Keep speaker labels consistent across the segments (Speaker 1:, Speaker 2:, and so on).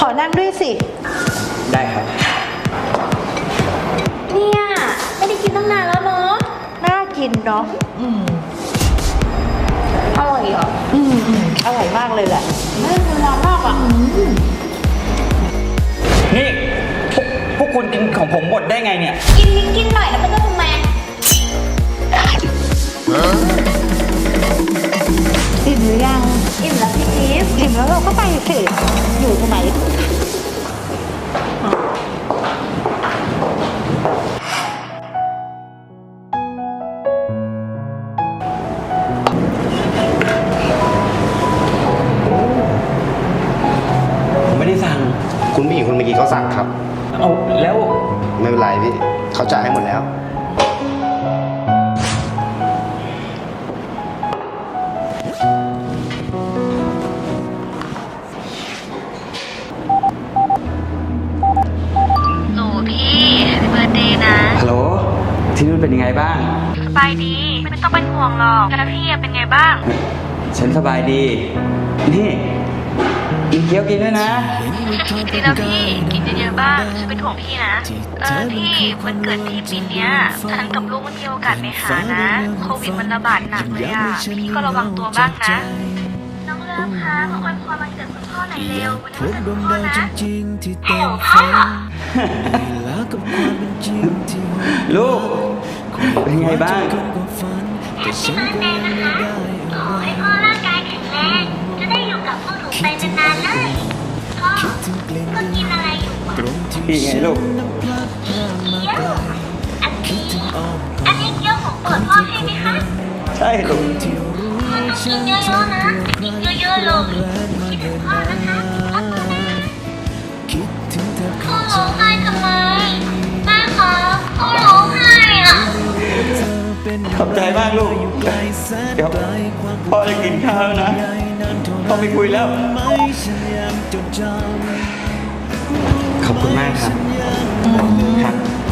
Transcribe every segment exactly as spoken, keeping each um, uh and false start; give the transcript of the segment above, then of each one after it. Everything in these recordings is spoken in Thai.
Speaker 1: อนั่งด้วยสิ
Speaker 2: ได้ครับ
Speaker 3: เนี่ยไม่ได้กินตั้งนานแล้วเนาะ
Speaker 1: น่ากินเนาะอืม
Speaker 3: อร่อยเหรอ
Speaker 1: อืมอืมอร่อยมากเลยแหละไม่เป็นร้อนมากอ่ะ
Speaker 2: นี่พวกพวกคุณกินของผมหมดได้ไงเนี่ย
Speaker 3: กินนิดกินหน่อยแล้วมันจะทำไม
Speaker 1: อิ่มหรือยัง
Speaker 3: อิ่มแล้วพี่อีฟ
Speaker 1: อิ่มแล้วเราก็ไปสิอยู่ทำไม
Speaker 2: ผมไม่ได้สั่ง
Speaker 4: คุณผู้หญิงคนเมื่อกี้เขาสั่งครับ
Speaker 2: เอาแล้ว
Speaker 4: ไม่เป็นไรพี่เขาจ่ายให้หมดแล้ว
Speaker 5: หนูพี่แฮปปี้เบิร์ธเดย์นะ
Speaker 2: ฮัลโหลที่นู่นเป็นยังไงบ้าง
Speaker 5: สบายดีไม่ต้องเป็นห่วงหรอกแล้วพี่เป็นไงบ้าง
Speaker 2: ฉันสบายดีนี่กินเคี้ยวกินด้วยนะ
Speaker 5: ดีแล้วพี่กินเยอะๆบ้างฉันเป็นห่วงพี่นะเออพี่วันเกิดพี่ปีเนี้ยฉันกับลูกไม่มีโอกาสไปหานะโควิดมันระบาดหนักเลยอ่ะพี่ก็ระวังตัวบ้างนะน้องเลิฟคะมาอวยพรวันเกิดคุณพ่อหน่อยเร็ววันนี้วันเกิดคุณพ่อนะเฮ้พ่อ
Speaker 2: ลูกเป็นไงบ้าง
Speaker 5: แฮปปี้เบิร์ธเดย์นะคะขอให้พ่อร่างกายแข็งแรงจะได้อยู่กับพวกหนูไปนานๆเลยพ่อก็กินอะไรอยู่วะ
Speaker 2: พี่ไงลูก
Speaker 5: เกี๊ยวอันนี้อันนี้เกี๊ยวของโปรดพ่อใช่ไหมคะ
Speaker 2: ใช่ลูก
Speaker 5: พ่อต้องกินเยอะๆนะกินเยอะๆเลยคิดถึงพ่อนะคะรักพ่อนะพ่อร้องไห้ทำไมแม่คะพ่อร้องไห้อ่ะ
Speaker 2: ขอบใจมากลูกเดี๋ยวพ่อจะกินข้าวนะพ่อไม่คุยแล้วขอบคุณมากครับครับ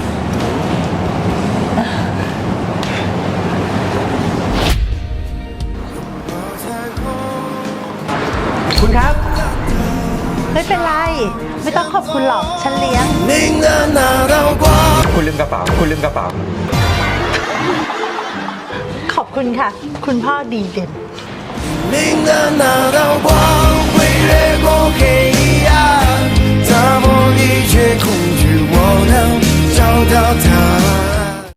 Speaker 2: คุณครับ
Speaker 1: ไม่เป็นไรไม่ต้องขอบคุณหรอกฉันเลี้ยง
Speaker 2: คุณลืมกระเป๋าคุณลืมกระเป๋า
Speaker 1: ขอบคุณค่ะคุณพ่อดีเด่น
Speaker 6: 明的那道光会掠过黑暗，擦破一切恐惧，我能找到它。